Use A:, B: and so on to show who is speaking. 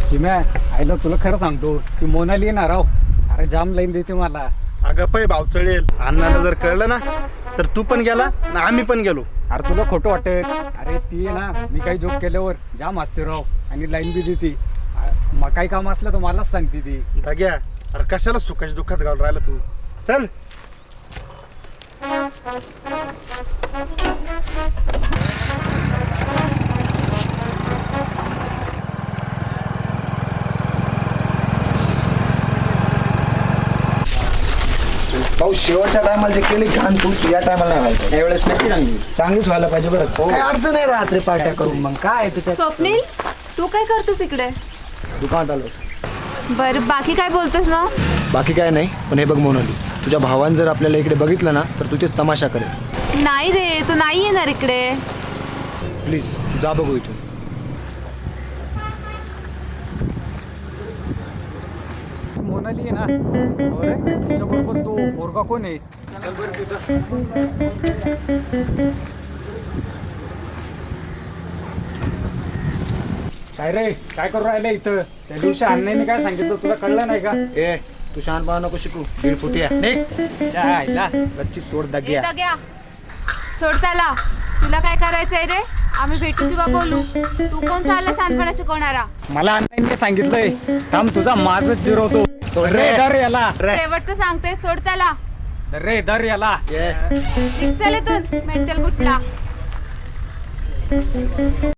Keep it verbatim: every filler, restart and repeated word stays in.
A: चिम्या आईला तुला खरं सांगतो ती मोनाली येणार राव. अरे जाम लाईन देते मला.
B: अगं पै भाव चढेल. अण्णाला जर कळलं ना तर तू पण गेला ना आम्ही पण गेलो.
A: अरे तुला खोटं वाटत. अरे ती आहे ना मी काही जोक केल्यावर जाम असते राव आणि लाईन बी देते. मग काही काम असलं तर मलाच सांगते ती.
B: दाग्या अरे कशाला सुखाच्या दुःखात घालून राहिला तू. चल
C: भाऊ शेवटच्या टायमाला जे केली घाण तू या टायमाला नाही व्हायचं.
B: यावेळेस नक्की चांगली
C: चांगलीच व्हायला पाहिजे बरं. काय अर्थ नाही रात्री पार्ट्या करून मग काय त्याच्यात.
D: स्वप्नील तू काय करतोस इकडे?
C: दुकानात आलो.
D: बरं बाकी काय बोलतोस मग?
C: बाकी काय नाही पण हे बघ मोनाली, तुझ्या भावानं जर आपल्याला इकडे बघितलं ना तर तुझेच तमाशा करेल.
D: नाही रे तू नाही येणार इकडे.
C: प्लीज तू जा बघू इथून.
A: मोनाली आहे ना तिच्या बरोबर तो पोरगा कोण आहे? चल बरं तिथं. काय रे काय करू राहिलं इथं? त्या दिवशी अण्णांनी काय सांगितलं तुला कळलं नाही का?
C: ए तू शहाणपणा नको शिकू. दीड फुटी आहे.
A: च्या आईला
C: गच्ची सोड
D: ए,
C: दागिया.
D: दग्या सोड त्याला. तुला काय करायचंय रे? आम्ही भेटू किंवा बोलू. तू कोण चालला शहाणपणा शिकवणारा?
A: मला अण्णांनी सांगितलंय थांब तुझा माझच जिरवतो. रे दर याला.
D: शेवटचं सांगते सोड त्याला.
A: रे दर याला.
C: ए
D: निघ चल इथून मेंटल कुठला.